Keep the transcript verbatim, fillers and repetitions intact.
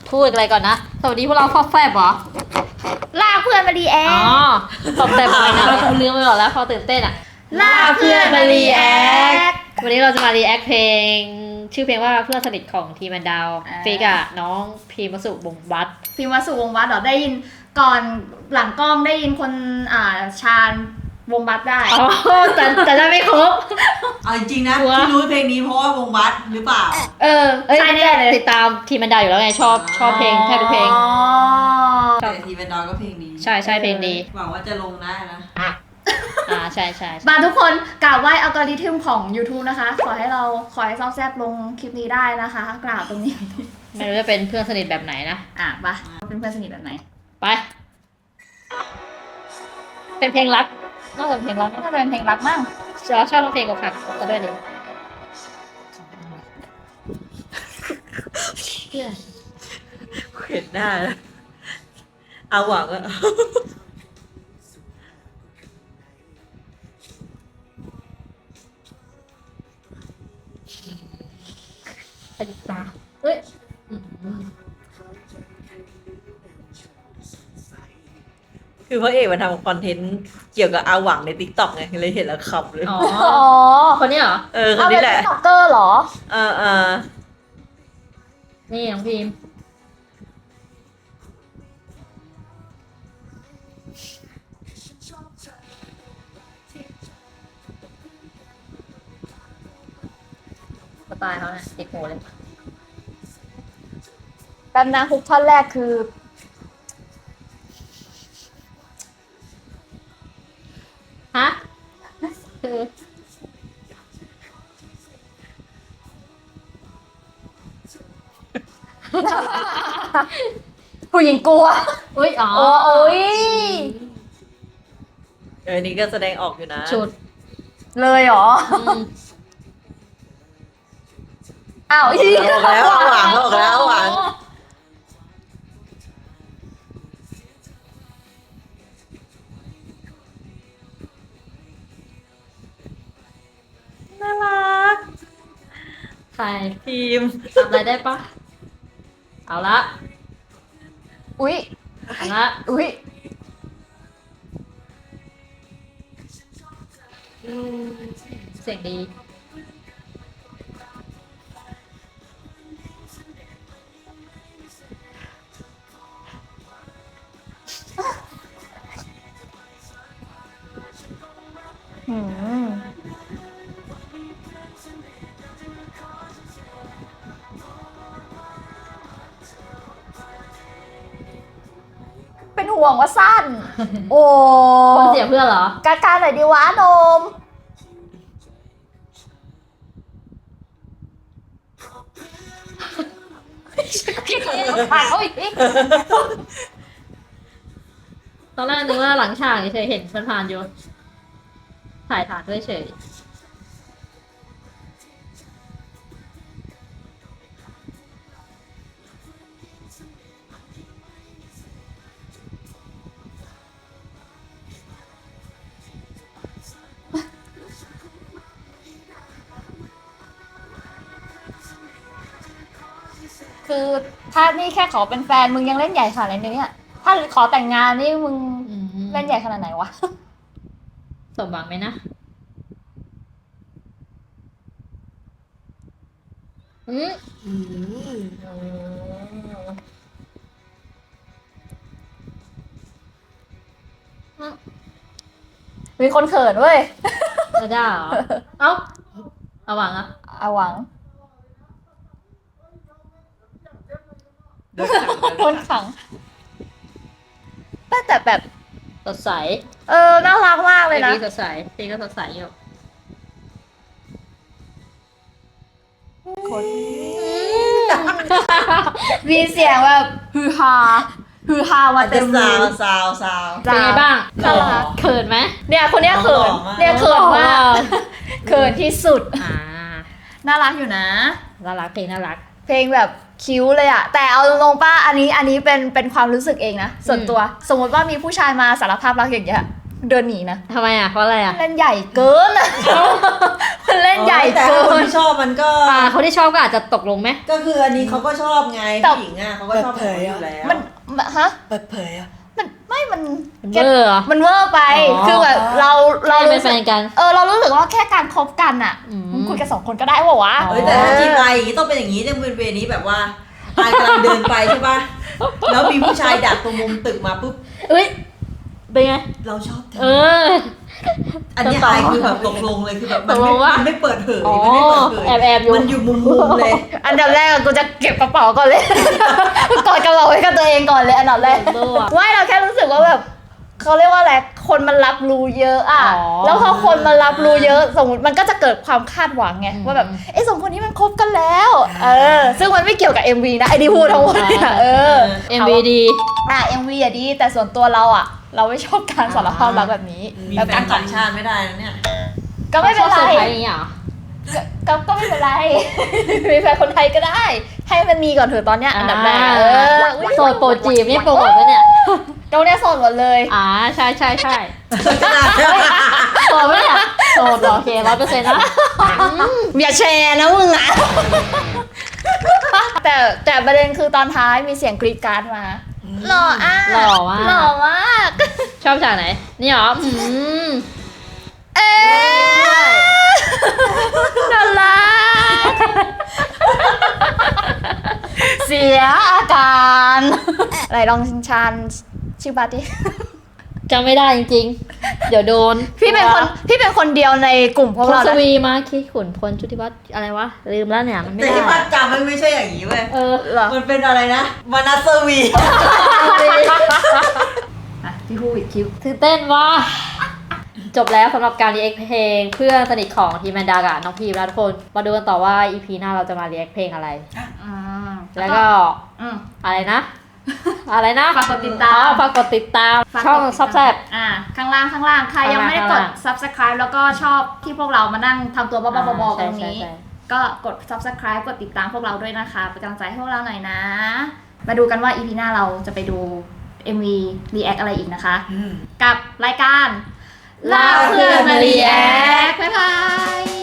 พูดอะไรก่อนนะสวัสดีพวกเราฟอแฟบเหรอลากเพื่อนมาดีแออ๋อฟอแฟบอะไรนะเราคงลืมไปหมดแล้วพอตื่นเต้นอะลากเพื่อนมารีแอควันนี้เราจะมารีแอคเพลง ชื่อเพลงว่าเพื่อนสนิทของทีมันดาวฟิกอะน้องพีมสุบงวัดพิมพ์วสุวงศ์วัดเหรอได้ยินก่อนหลังกล้องได้ยินคนอ่าชาญวงวัดได้อ๋อแต่แต่จะไม่ครบเอาจริงๆนะกลัวที่รู้เพลงนี้เพราะว่าวงวัดหรือเปล่าเออเอ้ยใช่แน่เลยติดตามทีมันดาวอยู่แล้วไงชอบชอบเพลงแทบทุกเพลงอ๋อแต่ทีเป็นดอนก็เพลงนี้ใช่ใช่เพลงดีหวังว่าจะลงได้นะอ่าใช่ใช่ใช่มาทุกคนกราบไหว้อัลกอริทึมของ YouTube นะคะ ขอให้เราขอให้ซอกแซบลงคลิปนี้ได้นะคะกราบตรงนี้ไม่รู้จะเป็นเพื่อนสนิทแบบไหนนะอ่ะปะเป็นเพื่อนสนิทแบบไหนไป เป็นเพลงรักนอกจากเพลงรักน่าจะเป็นเพลงรักมั่งชอบชอบเพลงอกหักก็ด้วยดิเห็นหน้าแล้วเอาหวังอะไปดิตาเฮ้ยคือพระเอกมันทำคอนเทนต์เกี่ยวกับอาหวังในติ๊กต็อกไงเลยเห็นแล้วขำเลยอ๋ออ๋อคนนี้เหรอเออคนเอาเป็นี้นแหละติ๊กต็อกเกอร์เหรอเออเออนี่น้องพิมสไตล์เขาเนี่ยติดหูเลยแป๊บนะฮุกท่อนแรกคือฮะ คือผู้หญิงกลัวอุ้ยอ๋อโอ้โอ้ยเออนี่ก็แสดงออกอยู่นะชุดเลยเหรออืมอ้าวอีออกแล้วอาหวังออกแล้วอาหวังน่ารักใครทีมทำอะไรได้ปะเอาละอุ้ยเอาละอุ้ยเสียงดีหืมเป็นห่วงว่าสั้น โอ้คนเสียเพื่อนเหรอกาการหน่อยดีวะนมถ่ายเขาอีกตอนแรกนึกว่าหลังฉากเฉยๆเห็นผ่านๆอยู่ถ่ายถ่านด้วยเฉยคือถ้านี่แค่ขอเป็นแฟนมึงยังเล่นใหญ่ขนาดนี้เนี่ย ถ้าขอแต่งงานนี่มึงอืมเล่นใหญ่ขนาดไหนวะสมหวังไหมนะอืมอืมมีคนเขินเว้ยจะได้เหรอ เอ้าเอาหวังอะเอาหวังเดินขังคนขังแต่แต่แบบสดใสเออ น่ารักมากเลยนะเพลงสดใสเพลงก็สดใสอยู่คนมีเสียงแบบฮือฮาฮือฮามาอาจเต็จะมเลซาวย ซาวซาวเป็นไงบ้างน่ารักเขินไหมเนี่ยคนเนี้ยเขินหล่อมากเนี่ยเขินมากหล่อเขินที่สุดอ่าน่ารักอยู่นะน่ารักเพลงน่ารักเพลงแบบคิ้วเลยอะแต่เอาตรงๆป้าอันนี้อันนี้เป็นเป็นความรู้สึกเองนะส่วนตัว สมมติว่ามีผู้ชายมาสารภาพรักอย่างเงี้ยเดินหนีนะทำไมอ่ะเพราะอะไรอ่ะเล่นใหญ่เกินอะมันเล่นใหญ่แต่เกิคนนที่ชอบมันก็อ่าคนที่ชอบก็อาจจะตกลงไหมก็คืออันนี้เขาก็ชอบไงแต่ผู้หญิงอ่ะเขาก็ชอบแบบนี้อยู่แล้วมันฮะเปิดเผยอ่ะมันไม่มันเบอร์เหรอมันเวอร์ไปอ๋อคือแบบเราเราเราเป็นรู้แฟสึกนกันเออเรารู้สึกว่าแค่การคบกันอะอืมมึงคุยกันสองคนก็ได้ปะวะอ๋อเฮ้ยแต่ถ้าจีบไปอย่างนี้ต้องเป็นอย่างนี้เนี่ยเป็นเวนี้แบบว่าอายกำลังเดินไปใช่ป่ะแล้วมีผู้ชายดักตรงมุมตึกมาปุ๊บเอ้ยเป็นไงเราชอบเธเออออันเนี้ยอายคือแบบตกลงเลยคือแบบมันตกลไม่งว่ามัมันไม่เปิดเผยอ๋อมันไม่เปิดเผยแอบแอบอยู่มันอยู่มุมมุมเลยอันดับแรกอะกูจะเก็บกระเป๋าก่อนเลย กอดกระเป๋าไว้กับตัวเองก่อนเลยอันดับแรกเบอร์อะไม่เราแค่รู้สึกว่าแบบเขาเรียกว่าอะไรคนมันรับรู้เยอะอะอ๋อแล้วพอคนมันรับรู้เยอะสมมติมันก็จะเกิดความคาดหวังไงอืมว่าแบบไอ้สองคนนี้มันคบกันแล้ว เออ ซึ่งมันไม่เกี่ยวกับ เอ็ม วี นะไอ้ที่พูดทั้งหมดเนี่ยเออเอ็มวีดีอ่ะ เอ็ม วี อะดีแต่ส่วนตัวเราอะเราไม่ชอบการสารภาพรักแบบนี้มีแบบแฟการนต่างชาติไม่ได้นะเนี่ยก็ไม่เป็นไรชอบเซอร์ไพรส์อย่างเงี้ยเหรอก็ก็ก็ไม่เป็นไร มีแฟนคนไทยก็ได้ ให้มันมีก่อนเถอะตอนเนี้ยอันดับแรกเอออุ๊ยโสดโปรจีบนี่โปรโมทปะเนี่ยตรงเนี้ยโสดหมดเลยอ่าใช่ใช่ใช่ขนาดโสดปะเนี่ยโสดเหรอโอเคร้อยเปอร์เซ็นต์นะอืมอย่าแชร์นะมึงอะ แต่แต่ประเด็นคือตอนท้ายมีเสียงกรีดกรารดมาหล่ออ่ะหล่อมากหล่อมากชอบฉากไหน นี่เหรออืมเอ๊ะน่ารักเสียอาการไหนลองชานชื่อบัตดิจำไม่ได้จริงๆ เดี๋ยวโดนพี่เป็นคนพี่เป็นคนเดียวในกลุ่มพวกพลเราสนะวีมาคิดขุนพลชุติวัฒน์อะไรวะ ลืมแล้วเนี่ย มันไม่แต่ได้ที่ภาคจำมันไม่ใช่อย่างนี้เว้ยเออเหรอมันเป็นอะไรนะมานาสวีอ่ะพี่พูดอีกคลิปตื่นเต้นว่ะจบแล้วสำหรับการรีแอคเพลงเพื่อนสนิทของทีมแมนดากับน้องพีมแล้วทุกคน มาดูกันต่อว่า อี พี หน้าเราจะมารีแอคเพลงอะไรอืมแล้วก็อืมอะไรนะ อะไรนะฝากกดติดตามอ๋อฝากกดติดตามฝากกดช่องติดตามซับแซบอ่าข้างล่างข้างล่างใครยังไม่ได้กดข้างล่าง subscribe แล้วก็ชอบที่พวกเรามานั่งทำตัวบ้าๆบอๆกันตรงนี้ใช่ใช่ใช่ก็กด subscribe กดติดตามพวกเราด้วยนะคะเป็นกำลังใจให้พวกเราหน่อยนะ มาดูกันว่า อี พี หน้าเราจะไปดู เอ็ม วี react อะไรอีกนะคะ กับรายการลาเพื่อนมา react บ๊ายบาย